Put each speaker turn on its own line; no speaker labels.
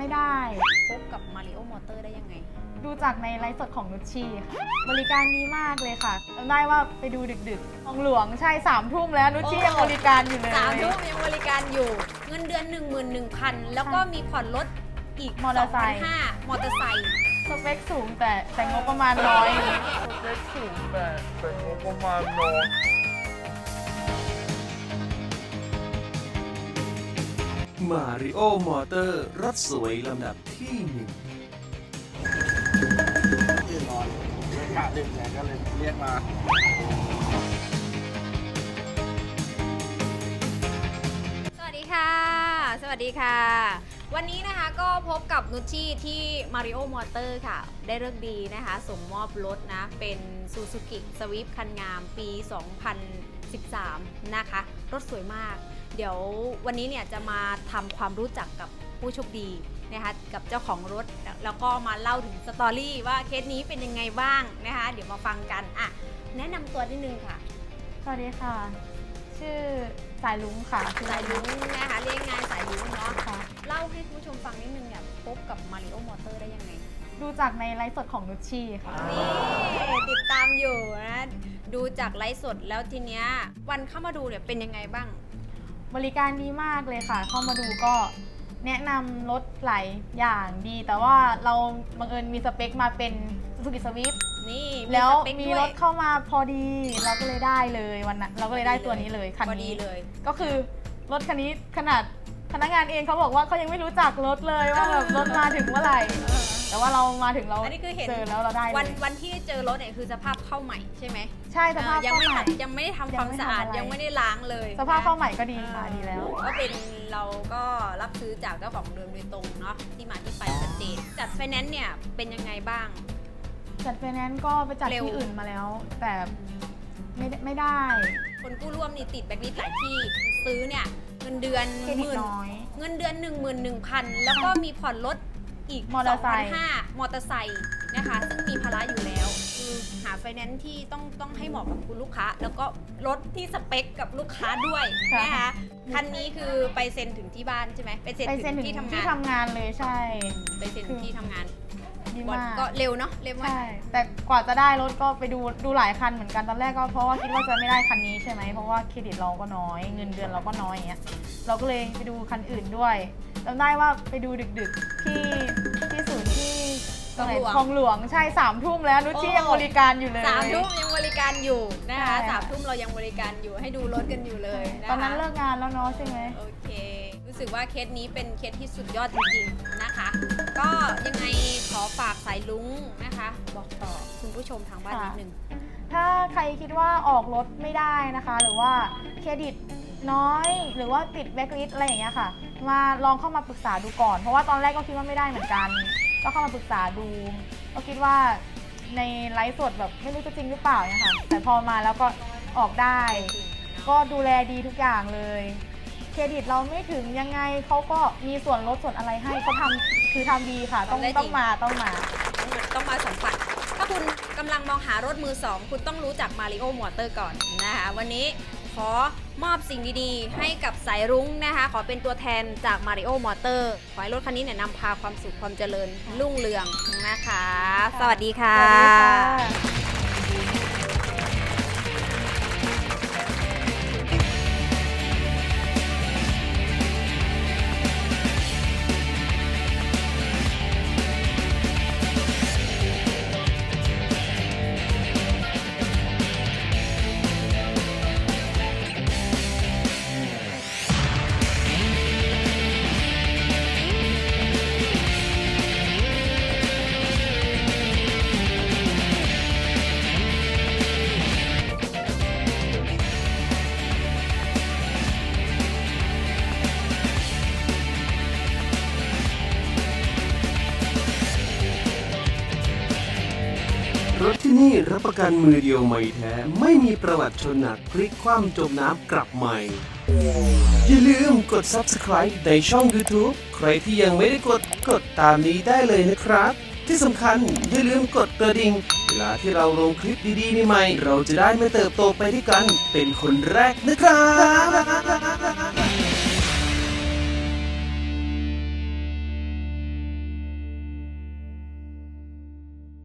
ได้
พบกับมาริโอมอเตอร์ได้ยังไง
ดูจากในไลฟ์สดของนุชชีค่ะบริการดีมากเลยค่ะจำได้ว่าไปดูดึกๆของหลวงใช่3 ทุ่มแล้วนุชชียังบริการอยู่เลย
3 ทุ่มยังบริการอยู่เงินเดือน 11,000 แล้วก็มีผ่อนรถอีก
มอเตอร์ไซค์
2,500 มอเตอร์ไซค์
สเปคสูงแต่งบประมาณน้อย
สเปคสูงแต่งบประมาณน้อย
มาริโอมอเตอร์รถสวยลำดับที่1
ตื่นนอนเลยกะดึกไงก็เลยเรียกมา
สวัสดีค่ะ สวัสดีค่ะ วันนี้นะคะก็พบกับนุชชี่ที่มาริโอมอเตอร์ค่ะได้เลิกดีนะคะส่งมอบรถนะเป็น Suzuki Swift คันงามปี 2013 นะคะรถสวยมากเดี๋ยววันนี้เนี่ยจะมาทำความรู้จักกับผู้โชคดีนะคะกับเจ้าของรถแล้วก็มาเล่าถึงสตอรี่ว่าเคสนี้เป็นยังไงบ้างนะคะเดี๋ยวมาฟังกันอ่ะแนะนำตัวนิดนึงค่ะ
สวัสดีค่ะ ชื่อสายลุงค่ะ
สายลุ้งนะคะเรียกง่ายสายลุ้งเนาะ
ค่ะ
เล่าให้คุณผู้ชมฟังนิดนึงเนี่ยพบกับมาริโอมอเตอร์ได้ยังไง
ดูจากในไลฟ์สดของนุชชีค่ะ
นี่ติดตามอยู่นะดูจากไลฟ์สดแล้วทีเนี้ยวันเข้ามาดูเนี่ยเป็นยังไงบ้าง
บริการดีมากเลยค่ะ เข้ามาดูก็แนะนำรถหลายอย่างดี แต่ว่าเราบังเอิญมีสเปคมาเป็น Suzuki Swift
นี่
แล้ว
สเปค
มี
ด้วย
รถเข้ามาพอดี เราก็เลยได้เลยวันนั้นเราก็เลยได้ตัวนี้เลยคัน
พอดี
นี้
เลย
ก็คือรถคันนี้ขนาดพนักงานเองเขาบอกว่าเขายังไม่รู้จักรถเลยว่าแบบรถมาถึงเมื่อไหร่ แต่ว่าเรามาถึงเรา
อันนี้คือเห็น
เจอแล้วเราได้เลย
วันที่เจอรถเนี่ยคือสภาพเข้าใหม่ใช่ไหม
ใช่สภาพ
ยัง
เข้า
ไม่
ใหม่
ยังไม่ได้ทำความสะอาด
ยังไม่ทำอะไร
ยังไม่ได้ล้างเลย
สภาพเข้าใหม่ก็ดี
นะ
ค่ะดีแล้ว
ก็เป็นเราก็รับซื้อจากเจ้าของเดิมโดยตรงเนาะที่มาที่ไปชัดเจนจัดไฟแนนซ์เนี่ยเป็นยังไงบ้าง
จัดไฟแนนซ์ก็ไปจัด
เร็ว
ที่อื่นมาแล้ว แต่ไม่ได้
คนกู้ร่วมนี่ติดแบล็คลิสต์หลายที่ซื้อเนี่ยเงินเดือน
เครดิตน้อย
เงินเดือน 11,000 แล้วก็มีผ่อนรถอีก
มอเตอร์ไซค์
2,500 มอเตอร์ไซค์นะคะซึ่งมีภาระอยู่แล้วคือหาไฟแนนซ์ที่ต้องให้เหมาะกับคุณลูกค้า แล้วก็รถที่สเปคกับลูกค้าด้วยนะคะคันนี้คือไปเซ็นถึงที่บ้านใช่ไหมไปเซ็น
ไปเซ็น
ถึ
ถึ
ง
ง
ที่ทำ
ที่
งาน
ทำงานเลยใช่
ไปเซ็นถึงที่ทำงาน
ดีมาก
ก็เร็วเนาะเร็วมาก
ใช่แต่กว่าจะได้รถก็ไปดูหลายคันเหมือนกันตอนแรกก็เพราะว่าคิดว่าจะไม่ได้คันนี้ใช่ไหมเพราะว่าเครดิตเราก็น้อยเงินเดือนเราก็น้อยอย่างเงี้ยเราก็เลยไปดูคันอื่นด้วยจำได้ว่าไปดูดึกๆที่ศูนย์ที่ตรงไหนคลองหลวงใช่3 ทุ่มแล้วนุชชียังบริการอยู่เลย
3 ทุ่มยังบริการอยู่นะคะ
ใช่ค่ะ
3 ทุ่มเรายังบริการอยู่ให้ดูรถกันอยู่เลยนะคะ
ตอนนั้นเลิกงานแล้วเนาะใช่ไหม
โอเค รู้สึกว่าเคสนี้เป็นเคสที่สุดยอดจริงๆนะคะ ก็ยังไงขอฝากสายลุ้งนะคะ บอกต่อคุณผู้ชมทางบ้านนิดนึง
ถ้าใครคิดว่าออกรถไม่ได้นะคะ หรือว่าเครดิตน้อยหรือว่าติดแบล็คลิสต์อะไรอย่างเงี้ยค่ะ มาลองเข้ามาปรึกษาดูก่อน เพราะว่าตอนแรกก็คิดว่าไม่ได้เหมือนกัน ก็เข้ามาปรึกษาดู ก็คิดว่าในไลฟ์สดแบบไม่รู้จะจริงหรือเปล่าเนี่ยค่ะ แต่พอมาแล้วก็ออกได้ ก็ดูแลดีทุกอย่างเลย เครดิตเราไม่ถึงยังไงเขาก็มีส่วนลดส่วนอะไรให้เขาทำคือทำดีค่ะ ต้อง
ทำได้จริง
ต้องมา
ต้องมาสัมผัส ถ้าคุณกำลังมองหารถมือ 2 คุณต้องรู้จักมาริโอมอเตอร์ก่อนนะคะวันนี้ขอมอบสิ่งดีๆ ให้กับสายรุ้งนะคะ ขอเป็นตัวแทนจากมาริโอมอเตอร์ขอให้รถคันนี้เนี่ยนำพาความสุขความเจริญรุ่งเรืองนะคะ สวัสดีค่ะ
สวัสดีค่ะ
รถที่นี่รับประกันมือเดียวไม่แท้ ไม่มีประวัติชนหนักพลิกคว่ำจมน้ำกลับใหม่ อย่าลืมกด Subscribe ในช่อง YouTube ใครที่ยังไม่ได้กดตามนี้ได้เลยนะครับ ที่สำคัญอย่าลืมกดกระดิ่งเวลาที่เราลงคลิปดีๆใหม่ๆเราจะได้ไม่เติบโตไปด้วยกันเป็นคนแรกนะครับ